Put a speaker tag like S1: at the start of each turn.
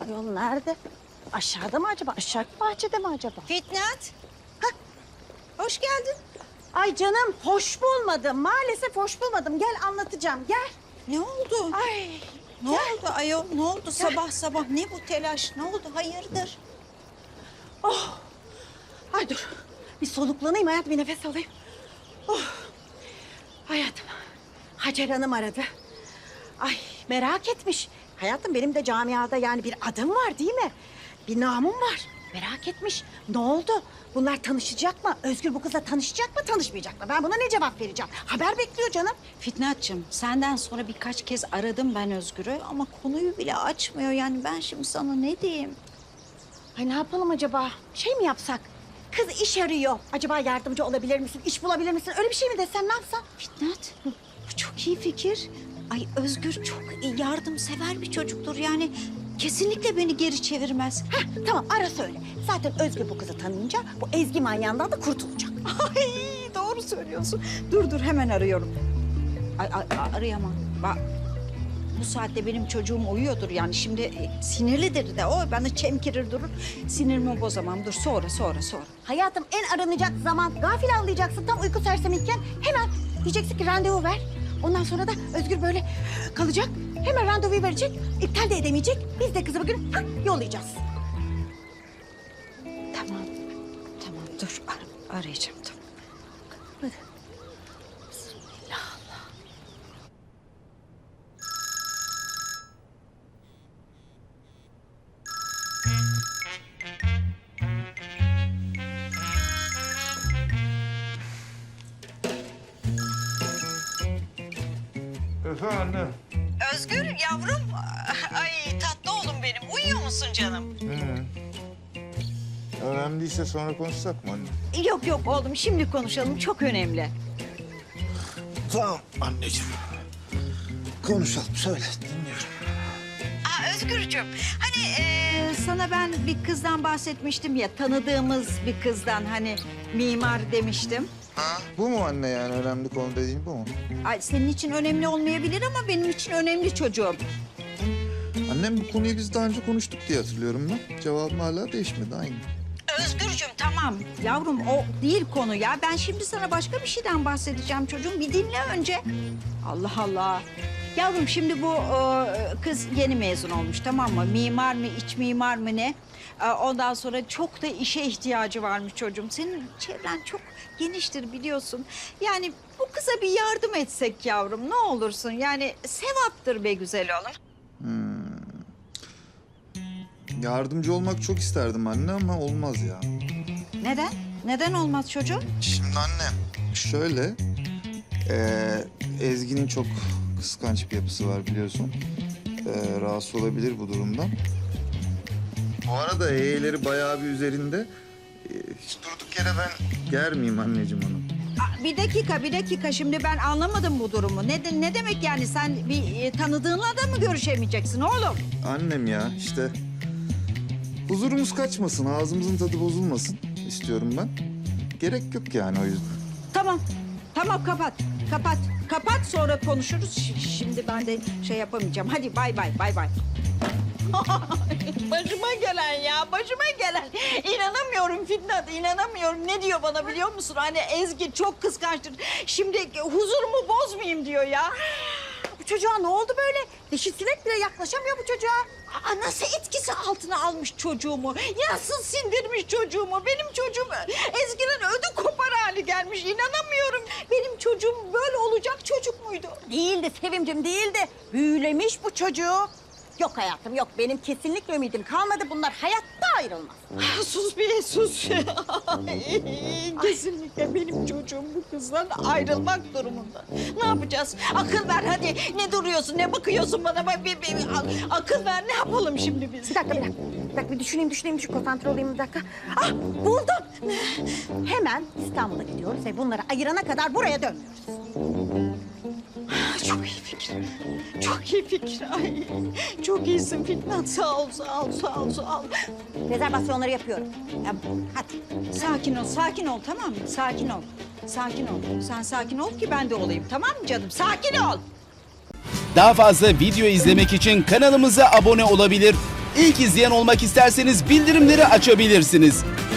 S1: Yol nerede? Aşağıda mı acaba? Aşağı bahçede mi acaba?
S2: Fitnat.
S1: Hah.
S2: Hoş geldin.
S1: Ay canım hoş bulmadım. Maalesef hoş bulmadım. Gel anlatacağım. Gel.
S2: Ne oldu?
S1: Ay.
S2: Ne oldu ayol? Ne oldu sabah sabah? Ne bu telaş? Ne oldu? Hayırdır?
S1: Oh. Ay dur. Bir soluklanayım hayatım. Bir nefes alayım. Oh. Hayatım. Hacer Hanım aradı. Ay merak etmiş. Hayatım benim de camiada yani bir adım var değil mi? Bir namım var. Merak etmiş. Ne oldu? Bunlar tanışacak mı? Özgür bu kızla tanışacak mı, tanışmayacak mı? Ben buna ne cevap vereceğim? Haber bekliyor canım.
S2: Fitnatçığım, senden sonra birkaç kez aradım ben Özgür'ü ama konuyu bile açmıyor. Yani ben şimdi sana ne diyeyim?
S1: Ay ne yapalım acaba? Şey mi yapsak? Kız iş arıyor. Acaba yardımcı olabilir misin? İş bulabilir misin? Öyle bir şey mi desem ne yapsam?
S2: Fitnat, bu çok iyi fikir. Ay Özgür çok yardımsever bir çocuktur yani. Kesinlikle beni geri çevirmez.
S1: Heh, tamam ara söyle. Zaten Özgür bu kızı tanıyınca bu Ezgi manyağından da kurtulacak.
S2: Ay doğru söylüyorsun. Dur hemen arıyorum. Arayamam. Bak bu saatte benim çocuğum uyuyordur yani. Şimdi sinirlidir de o bana çemkirir durur. Sinirimi bozamam. Dur sonra.
S1: Hayatım en aranacak zaman gafil anlayacaksın. Tam uyku sersemiyken hemen diyeceksin ki randevu ver. Ondan sonra da Özgür böyle kalacak. Hemen randevuyu verecek. İptal de edemeyecek. Biz de kızı bugün yollayacağız.
S2: Tamam dur arayacağım tamam.
S1: Hadi. Bismillah.
S3: Efendim?
S2: Özgür yavrum. Ay tatlı oğlum benim. Uyuyor musun canım?
S3: Önemli değilse sonra konuşsak mı anne?
S2: Yok oğlum şimdi konuşalım. Çok önemli.
S3: Tamam anneciğim. Konuşalım söyle dinliyorum.
S2: Özgürcüğüm hani sana ben bir kızdan bahsetmiştim ya. Tanıdığımız bir kızdan hani mimar demiştim.
S3: Ha? Bu mu anne yani önemli konu dediğin bu mu?
S2: Ay senin için önemli olmayabilir ama benim için önemli çocuğum.
S3: Annem bu konuyu biz daha önce konuştuk diye hatırlıyorum ben. Cevabım hala değişmedi aynı.
S2: Özgürcüğüm tamam. Yavrum o değil konu ya. Ben şimdi sana başka bir şeyden bahsedeceğim çocuğum. Bir dinle önce. Allah Allah. Yavrum şimdi bu kız yeni mezun olmuş tamam mı? Mimar mı, iç mimar mı ne? Ondan sonra çok da işe ihtiyacı varmış çocuğum. Senin çevren çok geniştir biliyorsun. Yani bu kıza bir yardım etsek yavrum ne olursun. Yani sevaptır be güzel oğlum.
S3: Yardımcı olmak çok isterdim anne ama olmaz ya.
S2: Neden? Neden olmaz çocuğum?
S3: Şimdi anne şöyle... Ezgi'nin çok kıskanç bir yapısı var biliyorsun. Rahatsız olabilir bu durumdan. Bu arada E'leri bayağı bir üzerinde. Hiç durduk yere ben germeyeyim anneciğim onu.
S2: Bir dakika. Şimdi ben anlamadım bu durumu. Ne demek yani? Sen bir tanıdığınla da mı görüşemeyeceksin oğlum?
S3: Annem ya işte huzurumuz kaçmasın, ağzımızın tadı bozulmasın istiyorum ben. Gerek yok yani o yüzden.
S2: Tamam kapat sonra konuşuruz. Şimdi ben de şey yapamayacağım. Hadi bay bay. Başıma gelen. İnanamıyorum Fitnat, inanamıyorum. Ne diyor bana biliyor musun? Hani Ezgi çok kıskançtır. Şimdi huzurumu bozmayayım diyor ya.
S1: Bu çocuğa ne oldu böyle? Dişi sinek bile yaklaşamıyor bu çocuğa.
S2: Nasıl etkisi altına almış çocuğumu? Nasıl sindirmiş çocuğumu? Benim çocuğum Ezgi'nin ödü kopar hali gelmiş. İnanamıyorum. Benim çocuğum böyle olacak çocuk muydu?
S1: Değildi Sevimcim değildi. Büyülemiş bu çocuğu. Yok hayatım yok. Benim kesinlikle ümidim kalmadı. Bunlar hayatta ayrılmaz.
S2: Sus bir sus. Kesinlikle benim çocuğum bu kızdan ayrılmak durumunda. Ne yapacağız? Akıl ver hadi. Ne duruyorsun? Ne bakıyorsun bana? Akıl ver. Ne yapalım şimdi biz?
S1: Bir dakika bir düşüneyim. Konsantre olayım bir dakika. Ah buldum. Hemen İstanbul'a gidiyoruz ve bunları ayırana kadar buraya dönmüyoruz.
S2: Çok iyi fikir. Çok iyi fikir. Ay, çok iyisin Fitnat. Sağ ol.
S1: Rezervasyonları yapıyorum.
S2: Hadi. Sakin ol tamam mı? Sakin ol. Sen sakin ol ki ben de olayım tamam mı canım? Sakin ol.
S4: Daha fazla video izlemek için kanalımıza abone olabilir. İlk izleyen olmak isterseniz bildirimleri açabilirsiniz.